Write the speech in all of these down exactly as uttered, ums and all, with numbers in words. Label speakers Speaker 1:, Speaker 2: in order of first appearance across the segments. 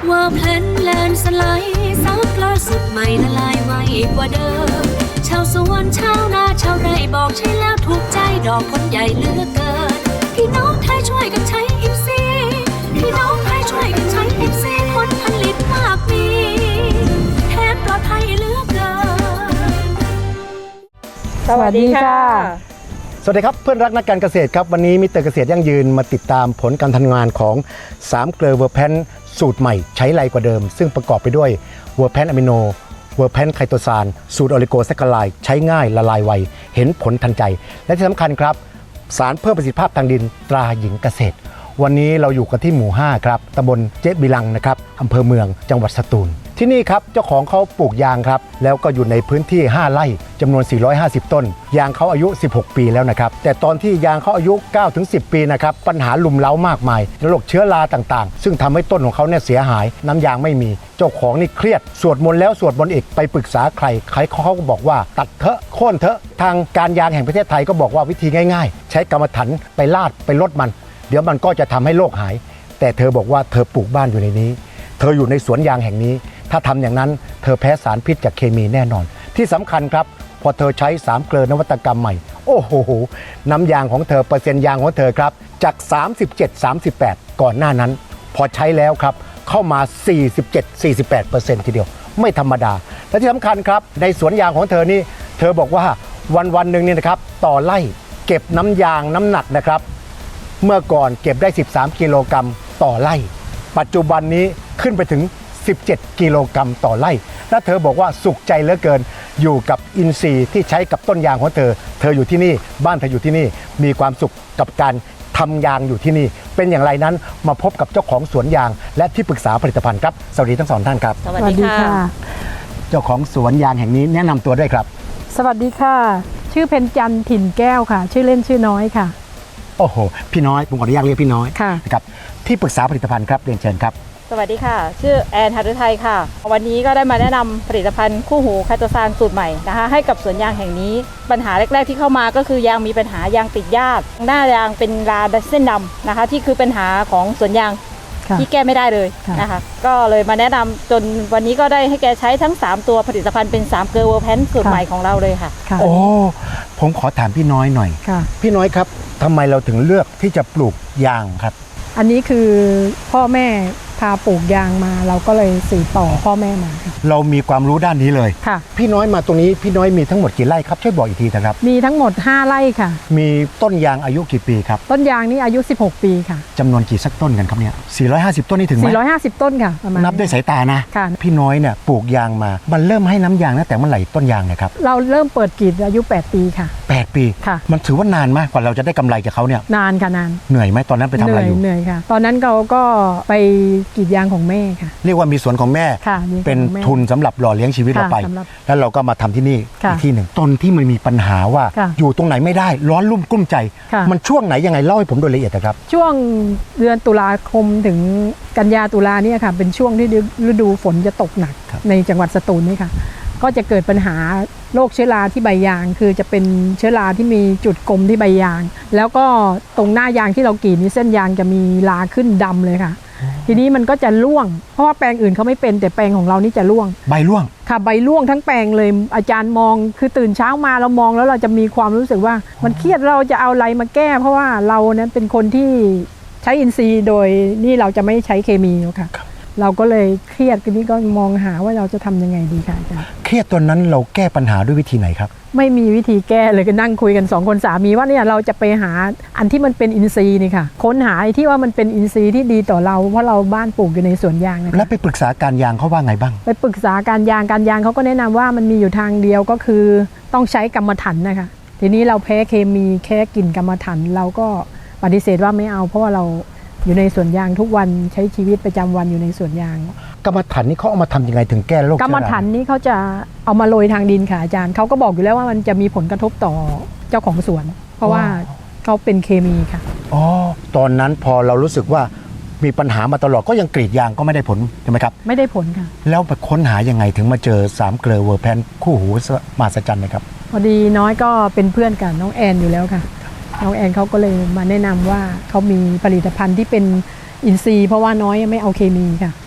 Speaker 1: ว่าเพลนแลนสไลด์ซับล่าสุดใหม่ละลายไวกว่าเดิมชาวสวนชาวนาชาวไร่บอกใช่แล้วถูกใจดอกผลใหญ่เหลือเกินพี่น้องไทยช่วยกันใช้อิฟซีพี่น้องไทยช่วยกันใช้อิฟซีผลผลิตมากมีแถมปลอดภัยเหลือเกิน
Speaker 2: สวัสดีค่ะ
Speaker 3: สวัสดีครับเพื่อนรักนักการเกษตรครับวันนี้มิสเตอร์เกษตรยั่งยืนมาติดตามผลการทำงานของสามเกลือเวอร์แพนสูตรใหม่ใช้ไรกว่าเดิมซึ่งประกอบไปด้วยเวอร์แพนอะมิโนเวอร์แพนไคโตซานสูตรออลิโกแซคคาไลด์ใช้ง่ายละลายไวเห็นผลทันใจและที่สำคัญครับสารเพิ่มประสิทธิภาพทางดินตราหญิงเกษตรวันนี้เราอยู่กันที่หมู่ห้าครับตำบลเจ๊บิลังนะครับอำเภอเมืองจังหวัดสตูลที่นี่ครับเจ้าของเขาปลูกยางครับแล้วก็อยู่ในพื้นที่ห้าไร่จำนวนสี่ร้อยห้าสิบต้นยางเขาอายุสิบหกปีแล้วนะครับแต่ตอนที่ยางเขาอายุ เก้าถึงสิบ ปีนะครับปัญหาลุมเล้ามากมายโรคเชื้อราต่างๆซึ่งทำให้ต้นของเขาเนี่ยเสียหายน้ำยางไม่มีเจ้าของนี่เครียดสวดมนต์แล้วสวดมนต์อีกไปปรึกษาใครใครเขาก็บอกว่าตัดเถอะโค่นเถอะทางการยางแห่งประเทศไทยก็บอกว่าวิธีง่ายๆใช้กรรมฐานไปลาดไปลดมันเดี๋ยวมันก็จะทำให้โรคหายแต่เธอบอกว่าเธอปลูกบ้านอยู่ในนี้เธออยู่ในสวนยางแห่งนี้ถ้าทำอย่างนั้นเธอแพ้สารพิษจากเคมีแน่นอนที่สำคัญครับพอเธอใช้สามเกลือนวัตกรรมใหม่โอ้โหน้ำยางของเธอเปอร์เซ็นต์ยางของเธอครับจากสามสิบเจ็ด สามสิบแปดก่อนหน้านั้นพอใช้แล้วครับเข้ามาสี่สิบเจ็ด สี่สิบแปดเปอร์เซ็นต์ ทีเดียวไม่ธรรมดาและที่สำคัญครับในสวนยางของเธอนี่เธอบอกว่าวันวันหนึ่งเนี่ยนะครับต่อไร่เก็บน้ำยางน้ำหนักนะครับเมื่อก่อนเก็บได้สิบสามกิโลกรัมต่อไร่ปัจจุบันนี้ขึ้นไปถึงสิบเจ็ดกิโลกรัมต่อไร่และเธอบอกว่าสุขใจเหลือเกินอยู่กับอินทรีย์ที่ใช้กับต้นยางของเธอเธออยู่ที่นี่บ้านเธออยู่ที่นี่มีความสุขกับการทำยางอยู่ที่นี่เป็นอย่างไรนั้นมาพบกับเจ้าของสวนยางและที่ปรึกษาผลิตภัณฑ์ครับสวัสดีทั้งสองท่านครับ
Speaker 2: สวัสดีค่ะ
Speaker 3: เจ้าของสวนยางแห่งนี้แนะนำตัวด้วยครับ
Speaker 2: สวัสดีค่ะชื่อเพ็ญจันทร์ถิ่นแก้วค่ะชื่อเล่นชื่อน้อยค่ะ
Speaker 3: โอ้โหพี่น้อยผมขออนุญาตเรียกพี่น้อยนะครับที่ปรึกษาผลิตภัณฑ์ครับเรียนเชิญครับ
Speaker 4: สวัสดีค่ะชื่อแอนหฤทัยค่ะวันนี้ก็ได้มาแนะนำผลิตภัณฑ์คู่หูไคโตซานสูตรใหม่นะคะให้กับสวนยางแห่งนี้ปัญหาแรกๆที่เข้ามาก็คือยางมีปัญหายางติดยากหน้ายางเป็นราเส้นดำนะคะที่คือปัญหาของสวนยางที่แก้ไม่ได้เลยนะคะก็เลยมาแนะนำจนวันนี้ก็ได้ให้แกใช้ทั้งสามตัวผลิตภัณฑ์เป็นสามเกลือเวอร์แพนสูตรใหม่ของเราเลยค่ะ
Speaker 3: โอ้ผมขอถามพี่น้อยหน่อยพี่น้อยครับทำไมเราถึงเลือกที่จะปลูกยางครับ
Speaker 2: อันนี้คือพ่อแม่พาปลูกยางมาเราก็เลยสืบต่อพ่อแม่มา
Speaker 3: เรามีความรู้ด้านนี้เลย
Speaker 2: ค่ะ
Speaker 3: พี่น้อยมาตรงนี้พี่น้อยมีทั้งหมดกี่ไร่ครับช่วยบอกอีกทีนะครับ
Speaker 2: มีทั้งหมดห้าไร่ค่ะ
Speaker 3: มีต้นยางอายุกี่ปีครับ
Speaker 2: ต้นยางนี่อายุสิบหกปีค่ะ
Speaker 3: จำนวนกี่สักต้นกันครับเนี่ยสี่ร้อยห้าสิบต้นนี่ถึงไหม
Speaker 2: สี่ร้อยห้าสิบต้นค่ะประมาณ
Speaker 3: นับด้วยสายตานะ
Speaker 2: ค่ะ
Speaker 3: พี่น้อยเนี่ยปลูกยางมามันเริ่มให้น้ำยางตั้งแต่เมื่อไหร่ต้นยางนะครับ
Speaker 2: เราเริ่มเปิดกรีดอายุแปดปีค่ะ
Speaker 3: แปดปี
Speaker 2: ค่ะ
Speaker 3: มันถือว่านานมากกว่าเราจะได้กำไรจากเขาเนี่ย
Speaker 2: นานค่ะนาน
Speaker 3: เหนื่อยไหมตอนนั้นไปทำอะไรอยู่
Speaker 2: เหนื่อยค่ะตอนนั้นเราก็ไปกรีดยางของแม่ค่ะ
Speaker 3: เรียกว่ามีสวนของแม่เป็นทุนสำหรับหล่อเลี้ยงชีวิตเราไปแล้วเราก็มาทำที่นี่อีกที่หนึ่งต้นที่มันมีปัญหาว่าอยู่ตรงไหนไม่ได้ร้อนรุ่มกุ้มใจมันช่วงไหนยังไงเล่าให้ผมโดยละเอียดนะครับ
Speaker 2: ช่วงเดือนตุลาคมถึงกันยาตุลาเนี่ยค่ะเป็นช่วงที่ฤดูฝนจะตกหนักในจังหวัดสตูลนี่ค่ะก็จะเกิดปัญหาโรคเชื้อราที่ใบยางคือจะเป็นเชื้อราที่มีจุดกลมที่ใบยางแล้วก็ตรงหน้ายางที่เรากรีดนี่เส้นยางจะมีราขึ้นดำเลยค่ะทีนี้มันก็จะร่วงเพราะว่าแปลงอื่นเขาไม่เป็นแต่แปลงของเรานี่จะร่วง
Speaker 3: ใบร่วง
Speaker 2: ค่ะใบร่วงทั้งแปลงเลยอาจารย์มองคือตื่นเช้ามาเรามองแล้วเราจะมีความรู้สึกว่ามันเครียดเราจะเอาอะไรมาแก้เพราะว่าเรานั้นเป็นคนที่ใช้อินทรีย์โดยนี่เราจะไม่ใช้เคมีค่ะเราก็เลยเครียดทีนี้ก็มองหาว่าเราจะทำยังไงดีค่ะอาจารย์
Speaker 3: เครียดตอนนั้นเราแก้ปัญหาด้วยวิธีไหนครับ
Speaker 2: ไม่มีวิธีแก้เลยก็นั่งคุยกันสองคนสามีว่าเนี่ยเราจะไปหาอันที่มันเป็นอินทรีย์นี่ค่ะค้นหาที่ว่ามันเป็นอินทรีย์ที่ดีต่อเราเพราะเราบ้านปลูกอยู่ในสวนยางนะ
Speaker 3: แล้วไปปรึกษาการยางเขาว่าไงบ้าง
Speaker 2: ไปปรึกษาการยางการยางเขาก็แนะนำว่ามันมีอยู่ทางเดียวก็คือต้องใช้กรรมฐานนะคะทีนี้เราแพ้เคมีแค่กลิ่นกรรมฐานเราก็ปฏิเสธว่าไม่เอาเพราะว่าเราอยู่ในสวนยางทุกวันใช้ชีวิตประจำวันอยู่ในสวนยาง
Speaker 3: กรรมฐานนี่เขาเอามาทำยังไงถึงแก้โรค
Speaker 2: กรรมฐานนี่เขาจะเอามาโรยทางดินค่ะอาจารย์เขาก็บอกอยู่แล้วว่ามันจะมีผลกระทบต่อเจ้าของสวนเพราะว่าเขาเป็นเคมีค่ะ
Speaker 3: อ๋อตอนนั้นพอเรารู้สึกว่ามีปัญหามาตลอดก็ยังกรีดยางก็ไม่ได้ผลใช่ไหมครับ
Speaker 2: ไม่ได้ผลค่ะ
Speaker 3: แล้วไปค้นหายังไงถึงมาเจอสามเกลือเวอร์แพนคู่หูมหัศจรรย์นะครับ
Speaker 2: พอดีน้อยก็เป็นเพื่อนกับน้องแอนอยู่แล้วค่ะน้องแอนเขาก็เลยมาแนะนำว่าเขามีผลิตภัณฑ์ที่เป็นอินทรีย์เพราะว่าน้อยไม่เอาเคมีค่ะ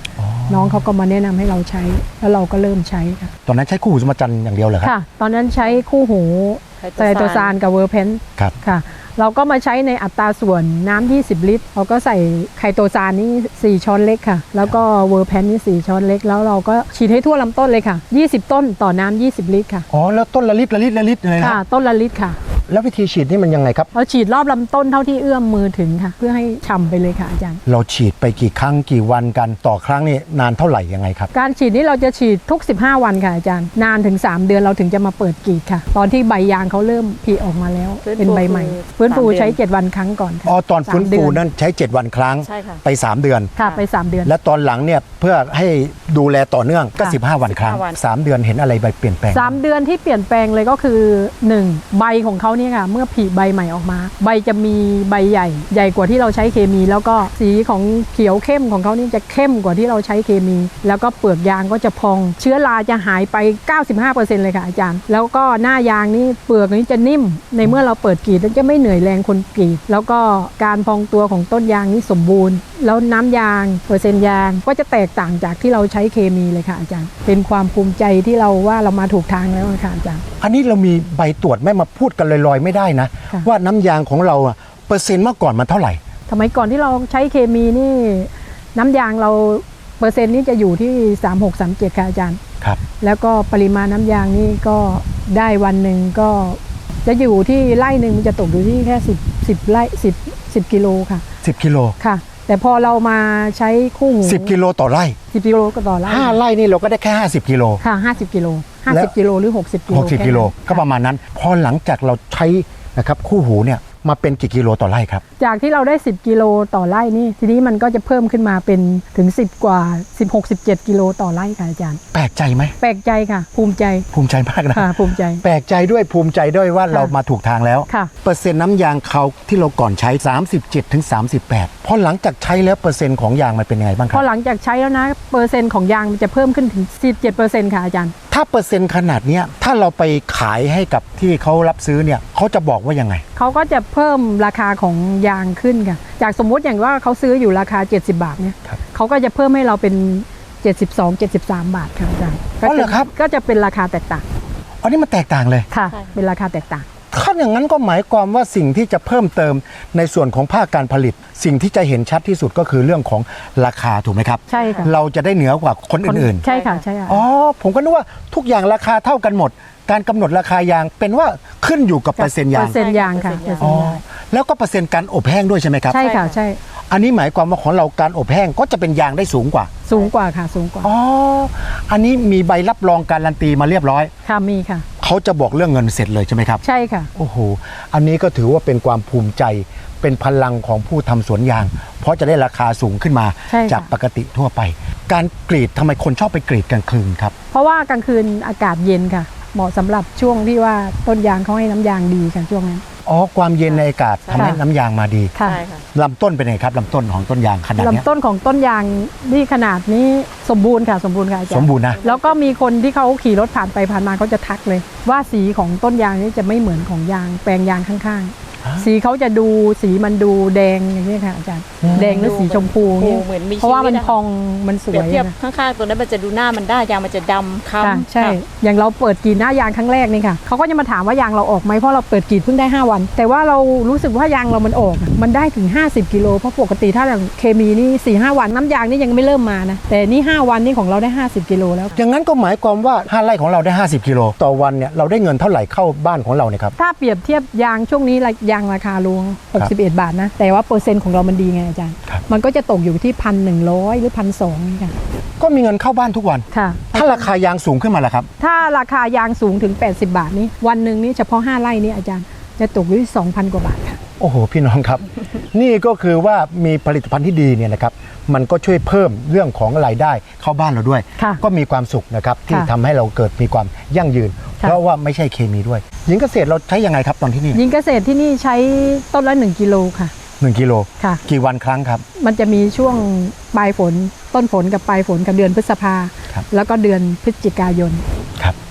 Speaker 2: น้องเขาก็มาแนะนำให้เราใช้แล้วเราก็เริ่มใช้ค่ะ
Speaker 3: ตอนนั้นใช้คู่หูสมจันทร์อย่างเดียวเหรอครับ
Speaker 2: ค่ะ ตอนนั้นใช้คู่หูไตรโตซานกับเวอร์แพน
Speaker 3: ครับ
Speaker 2: ค่ะ เราก็มาใช้ในอัตราส่วนน้ำยี่สิบลิตรเราก็ใส่ไคโตซานนี่สี่ช้อนเล็กค่ะ แล้วก็เวอร์แพนนี่สี่ช้อนเล็กแล้วเราก็ฉีดให้ทั่วลำต้นเลยค่ะยี่สิบต้นต่อน้ำยี่สิบลิตรค่ะ
Speaker 3: อ๋อแล้วต้นละลิตรละลิตรละลิตรเลยนะ
Speaker 2: ค่ะต้นละลิตรค่ะ
Speaker 3: แล้ววิธีฉีดนี่มันยังไงครับ
Speaker 2: เราฉีดรอบลำต้นเท่าที่เอื้อมมือถึงค่ะ เพื่อให้ฉ่ำไปเลยค่ะอาจารย์
Speaker 3: เราฉีดไปกี่ครั้งกี่วันกันต่อครั้งนี่นานเท่าไหร่ยังไงครับ
Speaker 2: การฉีดนี้เราจะฉีดทุกสิบห้าวันค่ะอาจารย์นานถึงสามเดือนเราถึงจะมาเปิดกรีดค่ะ ตอนที่ใบยางเขาเริ่มผลิออกมาแล้ว
Speaker 4: ฟื้นฟู
Speaker 2: เป็นใบใหม่
Speaker 4: คือ
Speaker 2: ฟื้นฟู
Speaker 4: สามเดือน
Speaker 2: ใช้เจ็ดวันครั้งก่อนค่ะ
Speaker 3: อ๋อตอนฟื้น
Speaker 2: สามเดื
Speaker 3: ฟู
Speaker 2: อ
Speaker 3: นั้นใช้เจ็ดวันครั้ง
Speaker 4: ใช่ค่ะ
Speaker 3: ไปสามเดือน
Speaker 2: ค่ะไปสามเดือน
Speaker 3: และตอนหลังเนี่ยเพื่อให้ดูแลต่อเนื่องก็
Speaker 2: ค่ะ
Speaker 3: สิบห้าวันครั้ง
Speaker 4: สิบห้าวัน
Speaker 3: สามเดือนเห็นอะไรใบเปลี่ยนแปลง
Speaker 2: สามเดือนที่เปลี่ยนแปลงเลยก็คือหนึ่งใบของเขาเนี่ยค่ะเมื่อผลิใบใหม่ออกมา ใบจะมีใบใหญ่ใหญ่กว่าที่เราใช้เคมี แล้วก็สีของเขียวเข้มของเขานี่จะเข้มกว่าที่เราใช้เคมี แล้วก็เปลือกยางก็จะพอง เชื้อราจะหายไป เก้าสิบห้าเปอร์เซ็นต์ เลยค่ะอาจารย์ แล้วก็หน้ายางนี่เปลือกนี้จะนิ่มในเมื่อเราเปิดกรีดแล้วจะไม่เหนื่อยแรงคนกรีดแล้วก็การพองตัวของต้นยางนี่สมบูรณ์ แล้วน้ำยางเปอร์เซ็นต์ยางก็จะแตกต่างจากที่เราใช้เคมีเลยค่ะอาจารย์ เป็นความภูมิใจที่เราว่าเรามาถูกทางแล้วค่ะอาจารย์
Speaker 3: อันนี้เรามีใบตรวจไม่มาพูดกันลอยๆไม่ได้นะ
Speaker 2: ค่ะ
Speaker 3: ว่าน้ำยางของเราอะเปอร์เซ็นต์เมื่อก่อนมันเท่าไหร่
Speaker 2: สมัยก่อนที่เราใช้เคมีนี่น้ำยางเราเปอร์เซ็นต์นี่จะอยู่ที่สามหก สามเจ็ดค่ะอาจารย์
Speaker 3: ครับ
Speaker 2: แล้วก็ปริมาณน้ำยางนี่ก็ได้วันหนึ่งก็จะอยู่ที่ไร่หนึ่งมันจะตกอยู่ที่แค่สิบ สิบไร่สิบ สิบกิโลค่ะ
Speaker 3: สิบกิโล
Speaker 2: ค่ะ แต่พอเรามาใช้คู่หู
Speaker 3: สิบกิโลต่อไร่
Speaker 2: สิบกิโลก็ต่อไร่
Speaker 3: ห้าไร่นี่เราก็ได้แค่ห้าสิบกิโล
Speaker 2: ค่ะห้าสิบกิโลห้า
Speaker 3: แล้
Speaker 2: สิบ
Speaker 3: ว
Speaker 2: กิโลหรือหกสิบกิโล
Speaker 3: หกสิบกิโล
Speaker 2: แค่นั้น
Speaker 3: ก็ประมาณนั้น พอหลังจากเราใช้นะครับคู่หูเนี่ยมาเป็นกี่กิโลต่อไร่ครับ
Speaker 2: จากที่เราได้สิบกิโลต่อไร่นี่ทีนี้มันก็จะเพิ่มขึ้นมาเป็นถึงสิบกว่าสิบหก สิบเจ็ดกิโลต่อไร่ค่ะอาจารย์
Speaker 3: แปลกใจไหม
Speaker 2: แปลกใจค่ะ ภูมิใจ
Speaker 3: ภูมิใจมากนะ
Speaker 2: ค่ะภูมิใจ
Speaker 3: แปลกใจด้วยภูมิใจด้วยว่า
Speaker 2: ค่ะ
Speaker 3: เรามาถูกทางแล้ว
Speaker 2: ค่ะ
Speaker 3: เปอร์เซ็นต์น้ำยางเขาที่เราก่อนใช้ สามสิบเจ็ดถึงสามสิบแปด พอหลังจากใช้แล้วเปอร์เซ็นต์ของยางมันเป็นยังไงบ้างค
Speaker 2: พ
Speaker 3: รั
Speaker 2: อบ หลังจากใช้แล้วนะเปอร์เซ็นต์ของยางมันจะเพิ่มขึ้นถึงสิบเจ็ดเปอร์เซ็นต์ค่ะอาจารย์
Speaker 3: ถ้าเปอร์เซ็นต์ขนาดเนี้ยถ้าเราไปขายให้กับที่เขารับซื้อเนี่ยเขาจะบอกว่ายังไง
Speaker 2: เขาก็จะเพิ่มราคาของยางขึ้นค่ะ จากสมมุติอย่างว่าเขาซื้ออยู่ราคาเจ็ดสิบบาทเนี่ย
Speaker 3: ครับ
Speaker 2: เขาก็จะเพิ่มให้เราเป็นเจ็ดสิบสอง เจ็ดสิบสามบาทค่ะอาจารย์
Speaker 3: อ๋อเหรอครับ
Speaker 2: ก็จะเป็นราคาแตกต่าง
Speaker 3: อันนี้มันแตกต่างเลย
Speaker 2: ค่ะ
Speaker 4: ใช่
Speaker 2: เป็นราคาแตกต่าง
Speaker 3: ถ้าอย่างนั้นก็หมายความว่าสิ่งที่จะเพิ่มเติมในส่วนของภาคการผลิต สิ่งที่จะเห็นชัดที่สุดก็คือเรื่องของราคาถูกไหมครับ
Speaker 2: ใช่ค่ะ
Speaker 3: เราจะได้เหนือกว่าคนอื่น
Speaker 2: ใช่ค่ะใช่ค่ะ
Speaker 3: ๆ อ๋อ ผมก็นึกว่าทุกอย่างราคาเท่ากันหมด การกำหนดราคายางเป็นว่าขึ้นอยู่กับเปอร์เซ็นต์ยาง
Speaker 2: เปอร์เซ็นต์ยางค่ะ
Speaker 4: เปอร์เซ็นต์ยาง
Speaker 2: เปอร์เซ็นต์ยาง
Speaker 3: แล้วก็เปอร์เซ็นต์การอบแห้งด้วยใช่ไหมครับ
Speaker 2: ใช่ค่ะใช่
Speaker 3: อันนี้หมายความว่าของเราการอบแห้งก็จะเป็นยางได้สูงกว่า
Speaker 2: สูงกว่าค่ะสูงกว่า
Speaker 3: อ๋อ อันนี้มีใบรับรองการันตีมาเรียบร้อย
Speaker 2: ค่ะมีค่ะ
Speaker 3: เขาจะบอกเรื่องเงินเสร็จเลยใช่ไหมครับ
Speaker 2: ใช่ค่ะ
Speaker 3: โอ้โห อันนี้ก็ถือว่าเป็นความภูมิใจ เป็นพลังของผู้ทำสวนยาง เพราะจะได้ราคาสูงขึ้นมา
Speaker 2: ใช่ค่ะ
Speaker 3: จากปกติทั่วไป การกรีดทำไมคนชอบไปกรีดกลางคืนครับ
Speaker 2: เพราะว่ากลางคืนอากาศเย็นค่ะ เหมาะสำหรับช่วงที่ว่าต้นยางเขาให้น้ำยางดีค่ะช่วงนั้น
Speaker 3: อ๋อ ความเย็นในอากาศทำให้
Speaker 2: ค่ะ
Speaker 3: น้ำยางมาดี
Speaker 2: ค่ะ
Speaker 4: ใช่ค่ะ
Speaker 3: ลำต้นเป็นไงครับลำต้นของต้นยางขนาดเนี้ย
Speaker 2: ลำต้นของต้นยางนี่ขนาดนี้สมบูรณ์ค่ะสมบูรณ์ค่ะอาจารย์
Speaker 3: สมบูรณ์นะ
Speaker 2: แล้วก็มีคนที่เขาขี่รถผ่านไปผ่านมาเขาจะทักเลย ว่าสีของต้นยางนี่จะไม่เหมือนของยางแปลงยางข้าง
Speaker 3: ฮะ
Speaker 2: ๆ สีเขาจะดูสีมันดูแดงอย่างนี้ค่ะอาจารย์
Speaker 3: อืม
Speaker 2: แดงหรือสีชมพูอย่างนี้
Speaker 4: เหมือนมี
Speaker 2: เพราะว่ามัน
Speaker 4: ชีวิตอะ
Speaker 2: พองมันส
Speaker 4: เปรี
Speaker 2: วย ย
Speaker 4: บเทียบ
Speaker 2: ค่ะ
Speaker 4: ข้างๆตัวนั้นมันจะดูหน้ามันได้ยางมันจะดำ
Speaker 2: ค่ะ
Speaker 4: ค้ำ
Speaker 2: ใช่
Speaker 4: ค่ะ
Speaker 2: อย่างเราเปิดกรีดหน้ายางครั้งแรกนี่ค่ะเขาก็จะมาถามว่ายางเราออกไหมเพราะเราเปิดกรีดเพิ่งได้ห้าวัน แต่ว่าเรารู้สึกว่ายางเรามันออกอะมันได้ถึงห้าสิบกิโลเพราะปกติถ้าอย่างเคมีนี่สี่ห้าวันน้ำยางนี่ยังไม่เริ่มมานะแต่นี่ห้าวันนี่ของเราได้ห้าสิบกิโลแล้ว
Speaker 3: อย่างนั้นก็หมายความว่าห้าไร่ของเราได้ห้าสิบกิโลต่อวันเนี่ยเราได้เงินเท่าไหร่เข้าบ้านของเราเนี่ยครับ
Speaker 2: ถ้าเปรียบเทียบยางช่วงนี้ละยางราคาลงหกสิบเอ็ดบาทนะแต่ว่าเปอร์เซ็นต์ของเรามันดีไงอาจารย์
Speaker 3: ครับ
Speaker 2: มันก็จะตกอยู่ที่พันหนึ่งร้อยหรือพันสองค่ะ
Speaker 3: ก็มีเงินเข้าบ้านทุกวัน
Speaker 2: ค่ะ
Speaker 3: ถ้าราคายางสูงขึ้นมาล่ะครับ
Speaker 2: ถ้าราคายางสูงถึงแปดสิบบาทนี้วันหนึ่งนี่เฉพาะห้าไร่นี่อาจารย์จะตกอยู่ที่สองพันกว่าบาทค่ะ
Speaker 3: โอ้โห พี่น้องครับ นี่ก็คือว่ามีผลิตภัณฑ์ที่ดีเนี่ยนะครับมันก็ช่วยเพิ่มเรื่องของรายได้เข้าบ้านเราด้วย
Speaker 2: ค่ะ
Speaker 3: ก็มีความสุขนะครับที่
Speaker 2: ค่ะ
Speaker 3: ทำให้เราเกิดมีความยั่งยืน
Speaker 2: ค่ะ
Speaker 3: เพราะว่าไม่ใช่เคมีด้วย หญิงเกษตรเราใช้ยังไงครับตอนที่นี่
Speaker 2: ยิงเกษตรที่นี่ใช้ต้นละหนึ่งกิโลค่ะ
Speaker 3: หนึ่งกิโล
Speaker 2: ค่ะ
Speaker 3: กี่วันครั้งครับ
Speaker 2: มันจะมีช่วงปลายฝนต้นฝนกับปลายฝนกับเดือนพฤษภา
Speaker 3: ครับ
Speaker 2: แล้วก็เดือนพฤศจิกายน
Speaker 3: ครับ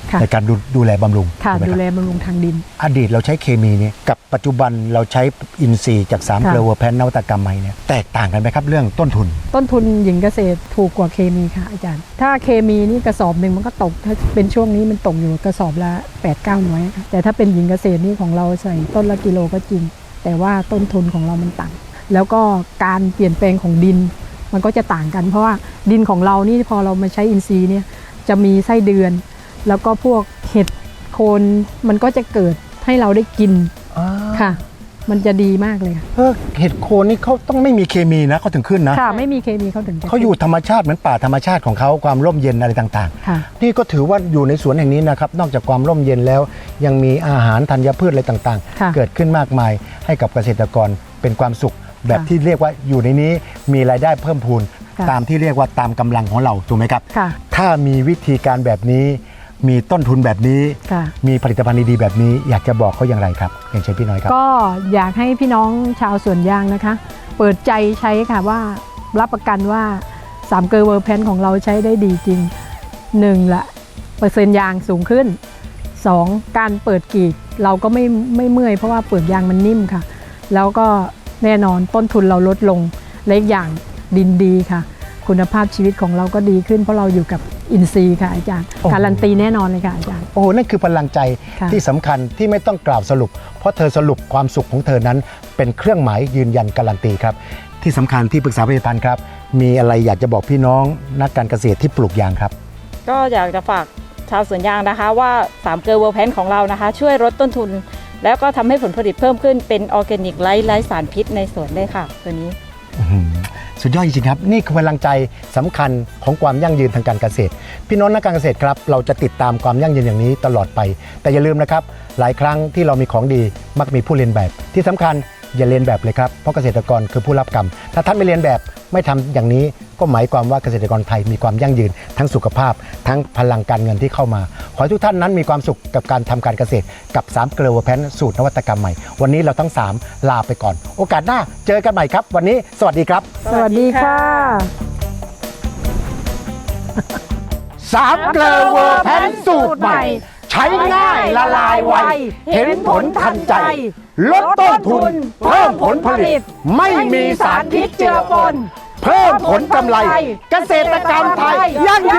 Speaker 2: ค่ะ
Speaker 3: ในการดูดูแลบำรุง
Speaker 2: ค่ะ
Speaker 3: ถูกไหม
Speaker 2: ดู
Speaker 3: ครับ
Speaker 2: แลบำรุงทางดิน
Speaker 3: อดีตเราใช้เคมีเนี่ยกับปัจจุบันเราใช้อินทรีย์จากสาม
Speaker 2: ค่ะ
Speaker 3: เกลือเวอร์แพนนวัตกรรมใหม่เนี่ยแตกต่างกันไหมครับเรื่องต้นทุน
Speaker 2: ต้นทุนหญิงเกษตรถูกกว่าเคมีค่ะอาจารย์ ถ้าเคมีนี่กระสอบหนึ่งมันก็ตก ถ้าเป็นช่วงนี้มันตกอยู่กระสอบละแปดเก้าหน่วยค่ะแต่ถ้าเป็นหญิงเกษตรนี่ของเราใส่ต้นละกิโลก็จริง แต่ว่าต้นทุนของเรามันต่ำแล้วก็การเปลี่ยนแปลงของดินมันก็จะต่างกัน เพราะว่าดินของเรานี่พอเรามาใช้อินทรีย์เนี่ยจะมีไส้เดือน แล้วก็พวกเห็ดโคนมันก็จะเกิดให้เราได้กินค่ะ มันจะดีมากเลยค่ะ
Speaker 3: เออเห็ดโคนนี่เขาต้องไม่มีเคมีนะเขาถึงขึ้นนะ
Speaker 2: ค่ะไม่มีเคมีเขาถึงจะ
Speaker 3: เขาอยู่ธรรมชาติเหมือนป่าธรรมชาติของเขาความร่มเย็นอะไรต่าง
Speaker 2: ค่ะ
Speaker 3: ๆ นี่ก็ถือว่าอยู่ในสวนแห่งนี้นะครับนอกจากความร่มเย็นแล้วยังมีอาหารธัญพืชอะไรต่าง
Speaker 2: ค่ะ
Speaker 3: ๆ เกิดขึ้นมากมายให้กับเกษตรกรเป็นความสุข แบบ
Speaker 2: ค่ะ
Speaker 3: ที่เรียกว่าอยู่ในนี้มีรายได้เพิ่มพูน
Speaker 2: ค่ะ
Speaker 3: ตามที่เรียกว่าตามกำลังของเราถูกไหมครับ
Speaker 2: ค่ะ
Speaker 3: ถ้ามีวิธีการแบบนี้ มีต้นทุนแบบนี้
Speaker 2: ค่ะ
Speaker 3: มีผลิตภัณฑ์ดีๆแบบนี้ อยากจะบอกเขาอย่างไรครับอย่างเช่นพี่น้อยครับ
Speaker 2: ก็อยากให้พี่น้องชาวสวนยางนะคะ เปิดใจใช้ค่ะว่ารับประกันว่าสามเกลอเวอร์แพนของเราใช้ได้ดีจริงหนึ่งละเปอร์เซ็นต์ยางสูงขึ้นสองการเปิดกรีดเราก็ไม่ไม่เมื่อยเพราะว่าเปลือกยางมันนิ่มค่ะ แล้วก็แน่นอนต้นทุนเราลดลงและอีกอย่างดินดีค่ะ คุณภาพชีวิตของเราก็ดีขึ้นเพราะเราอยู่กับอินทรีย์ค่ะอาจารย์
Speaker 3: โอ้โห
Speaker 2: การันตีแน่นอนเลยค่ะอาจารย์
Speaker 3: โอ้โหนั่นคือพลังใจ
Speaker 2: ค่ะ
Speaker 3: ที่สำคัญที่ไม่ต้องกล่าวสรุป เพราะเธอสรุปความสุขของเธอนั้น เป็นเครื่องหมายยืนยันการันตีครับ ที่สำคัญที่ปรึกษาผลิตภัณฑ์ครับ มีอะไรอยากจะบอกพี่น้องนักการเกษตรที่ปลูกยางครับ
Speaker 4: ก็อยากจะฝากชาวสวนยางนะคะว่าสามเกลือเวอร์แพนของเรานะคะ ช่วยลดต้นทุน แล้วก็ทำให้ผลผลิตเพิ่มขึ้นเป็นออร์แกนิกไร้ไร้สารพิษในสวนได้ค่ะ ตัวนี้
Speaker 3: อื้อหือสุดยอดจริงๆครับ นี่คือพลังใจสำคัญของความยั่งยืนทางการเกษตร พี่น้องนักการเกษตรครับ เราจะติดตามความยั่งยืนอย่างนี้ตลอดไป แต่อย่าลืมนะครับ หลายครั้งที่เรามีของดีมักมีผู้เรียนแบบ ที่สำคัญอย่าเรียนแบบเลยครับเพราะเกษตรกรคือผู้รับกรรม ถ้าท่านไม่เรียนแบบไม่ทำอย่างนี้ก็หมายความว่าเกษตรกรไทยมีความยั่งยืนทั้งสุขภาพ ทั้งพลังการเงินที่เข้ามา ขอให้ทุกท่านนั้นมีความสุขกับการทำการเกษตรกับสามเกลือเวอร์แพนสูตรนวัตกรรมใหม่วันนี้เราทั้งสามลาไปก่อน โอกาสหน้าเจอกันใหม่ครับ วันนี้สวัสดีครับ
Speaker 2: สวัสดีค่ะ
Speaker 3: สามเกลือเวอร์แพนสูตรใหม่ ใช้ง่ายละลายไว เห็นผลทันใจ ลดต้นทุน เพิ่มผลผลิต ไม่มีสารพิษเจือปน เพิ่มผลกำไร เกษตรกรรมไทยยั่งยื